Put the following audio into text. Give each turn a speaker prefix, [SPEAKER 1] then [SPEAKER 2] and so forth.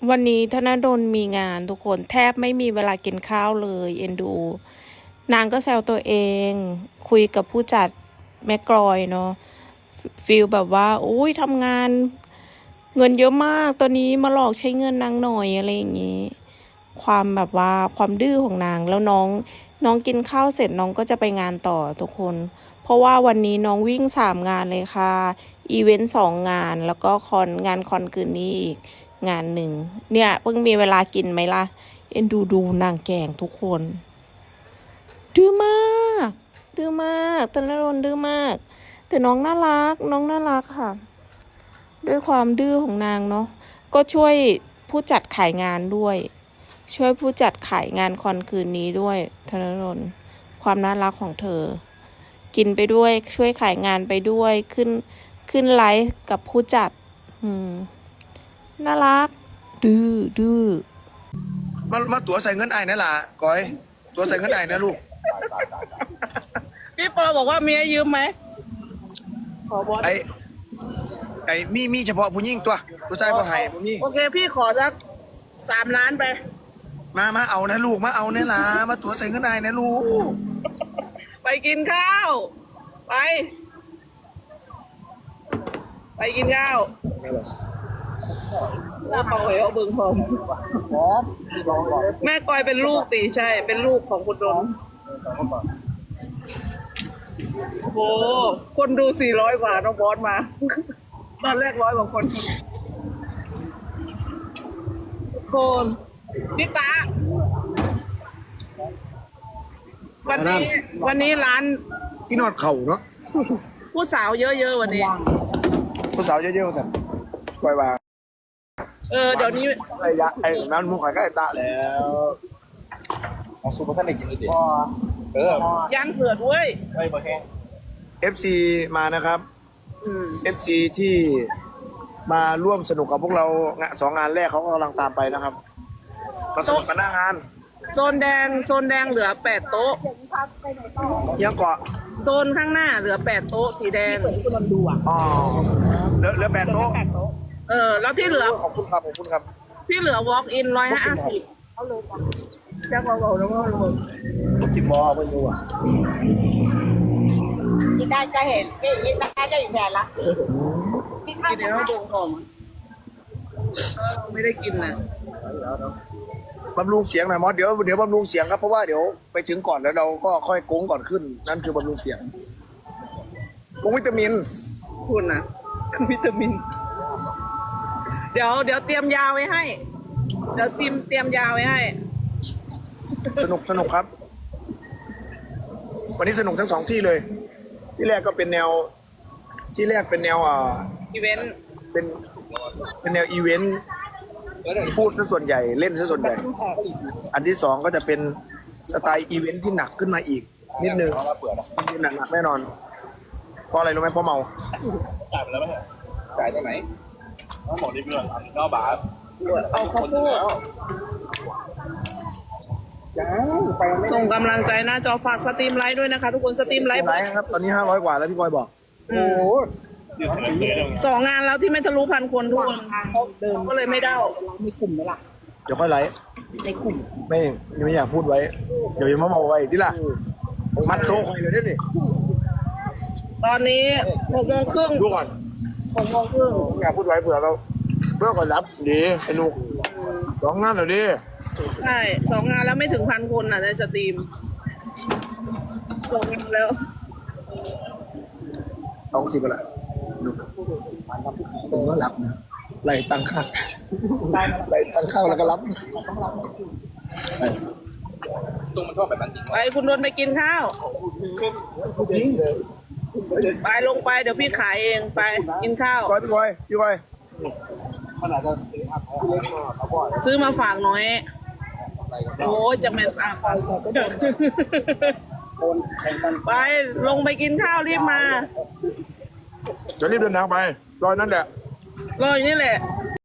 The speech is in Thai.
[SPEAKER 1] วันนี้ธนดลมีงานทุกคนแทบไม่มีเวลากินข้าวเลยเอ็นดูนางก็แซวตัวเองคุยกับผู้จัดแม่กรอยเนาะฟีลแบบว่าอุ้ยทำงานเงินเยอะมากตอนนี้มาหลอกใช้เงินนางหน่อยอะไรอย่างนี้ความแบบว่าความดื้อของนางแล้วน้องกินข้าวเสร็จน้องก็จะไปงานต่อทุกคนเพราะว่าวันนี้น้องวิ่ง3 งานเลยค่ะอีเวนต์2 งานแล้วก็งานคอนคืนนี้อีกงานหนึ่งเนี่ยเพิ่งมีเวลากินไหมล่ะเอ็นดูนางแกงทุกคนดื้อมากดื้อมากตนรนดื้อมากแต่น้องน่ารักค่ะด้วยความดื้อของนางเนาะก็ช่วยผู้จัดขายงานด้วยช่วยผู้จัดขายงานคอนคืนนี้ด้วยธนรนความน่ารักของเธอกินไปด้วยช่วยขายงานไปด้วยขึ้นไลฟ์กับผู้จัดน่ารักดื้อ
[SPEAKER 2] มาตั๋วใส่เงินไอ้นั่นล่ะก้อยตั๋วใส่เงินไอ้นะลูก
[SPEAKER 1] พี่ปอบอกว่ามีให้ยืมไหมขอบอส
[SPEAKER 2] ไอ้มีเฉพาะผู้หญิงตัวผู้ชายบ่ให้บ่มี
[SPEAKER 1] โอเคพี่ขอสัก3 ล้านไป
[SPEAKER 2] มาเอานะลูกมาเอาเนี่ยล่ะมาตั๋วใส่เงินไอ้นะลูก
[SPEAKER 1] ไปกินข้าวไปกินข้าวแม่ปอยเอาเบิ่งพร้อมแม่กอยเป็นลูกตีใช่เป็นลูกของคุณดนโอ้คนดู400 กว่าน้องบอสมาตอนแรก100 กว่าคนพี่ตาวันนี้ร้าน
[SPEAKER 2] ที่นอดเข่าเนาะ
[SPEAKER 1] ผู้สาวเยอะๆวันนี้
[SPEAKER 2] ผู้สาวเยอะๆสั่นก้อยว่า
[SPEAKER 1] เดี๋ยวนี้
[SPEAKER 2] ไอ้น้ำมุกไข่ก็ไอ้ตาแล้วของซูเปอร์ท่านได้กินเลยดิ
[SPEAKER 1] ย่างเผือกเว้ย
[SPEAKER 2] ไม่พอแห้ง FC มานะครับFC ที่มาร่วมสนุกกับพวกเรา2 งานแรกเขากำลังตามไปนะครับมาสนุกกันหน้างาน
[SPEAKER 1] โซนแดงเหลือ8 โต๊ะ
[SPEAKER 2] ยังเกาะ
[SPEAKER 1] โซนข้างหน้าเหลือ8 โต๊ะสีแดง
[SPEAKER 2] อ๋อเหลือ8 โต๊ะ
[SPEAKER 1] แล้วที่เหลือ
[SPEAKER 2] ขอบคุณครับ
[SPEAKER 1] ที่เหลือ walk in 150เอาเลยจ้ะเบาๆแล้วก็ลง
[SPEAKER 2] กินบอไม่รู้อ่ะ
[SPEAKER 3] กินได้ก็เห็นกินได้ก็อีกแผนละ
[SPEAKER 1] กินเดี๋ยวเราดูหอมไม่ได้กินนะ
[SPEAKER 2] บำรุงเสียงหน่อยมอสเดี๋ยวบำรุงเสียงครับเพราะว่าเดี๋ยวไปถึงก่อนแล้วเราก็ค่อยโค้งก่อนขึ้นนั่นคือบำรุงเสียงลงวิตามิน
[SPEAKER 1] คุณนะวิตามินเดี๋ยวเตรียมยาไว้ให้เดี๋ยวเตรียมยาไว้ให้
[SPEAKER 2] สนุกครับวันนี้สนุกทั้ง2 ที่เลยที่แรกก็เป็นแนว
[SPEAKER 1] อีเวนต์
[SPEAKER 2] เป็นแนวอีเวนต์พูดซะส่วนใหญ่เล่นซะส่วนใหญ่อันที่2ก็จะเป็นสไตล์อีเวนต์ที่หนักขึ้นมาอีกนิดนึงหนักแน่นอนเพราะอะไรรู้ไหมเพราะเมา
[SPEAKER 4] จ่ายไปแล้วไหมจ่ายได้ไหมน้องบอกดีเพื่อน9 บาท
[SPEAKER 1] เอาข้าวโพดส่งกำลังใจหน้าจอฝากสตรีมไลฟ์ด้วยนะคะทุกคนสตรีมไลฟ์
[SPEAKER 2] ครับตอนนี้500 กว่าแล้วพี่กอยบอก
[SPEAKER 1] โอ้2 งานแล้วที่ไม่ทะลุ1,000 คนทุกคนก็เลยไม่ได้
[SPEAKER 3] ในกลุ่มไหมล่ะ
[SPEAKER 2] เดี๋ยวค่อยไลฟ์
[SPEAKER 3] ในกลุ่ม
[SPEAKER 2] ไม่อยากพูดไว้เดี๋ยวยังมาบอกไว้ที่ล่ะมัดโต๊ะคอยเลยนี่
[SPEAKER 1] ตอนนี้6:30
[SPEAKER 2] ดูก่อน6:30อยากพูดไว้เผื่อก่อนรับดีไอ้หนุก2 งานเหรอดิ
[SPEAKER 1] ใช่2 งานแล้วไม่ถึง1,000 คนในสตรีม2 งานแล้ว
[SPEAKER 2] ต้องสิบอะไรผมก็รับนะไหลตังค่าแล้วก็รับ
[SPEAKER 4] ตรงมันชอบแบบนั้นจริง
[SPEAKER 1] ไปคุณนนท์ไปกินข้าวไปลงไปเดี๋ยวพี่ขายเองไปกินข้าว
[SPEAKER 2] พี่กอย
[SPEAKER 1] ซื้อมาฝากหน่อยโอ้ยจะแม่ตาไปลงไปกินข้าวรีบมา
[SPEAKER 2] จะรีบเดินทางไปรอนั่นแหละ
[SPEAKER 1] รออยู่นี่แหละ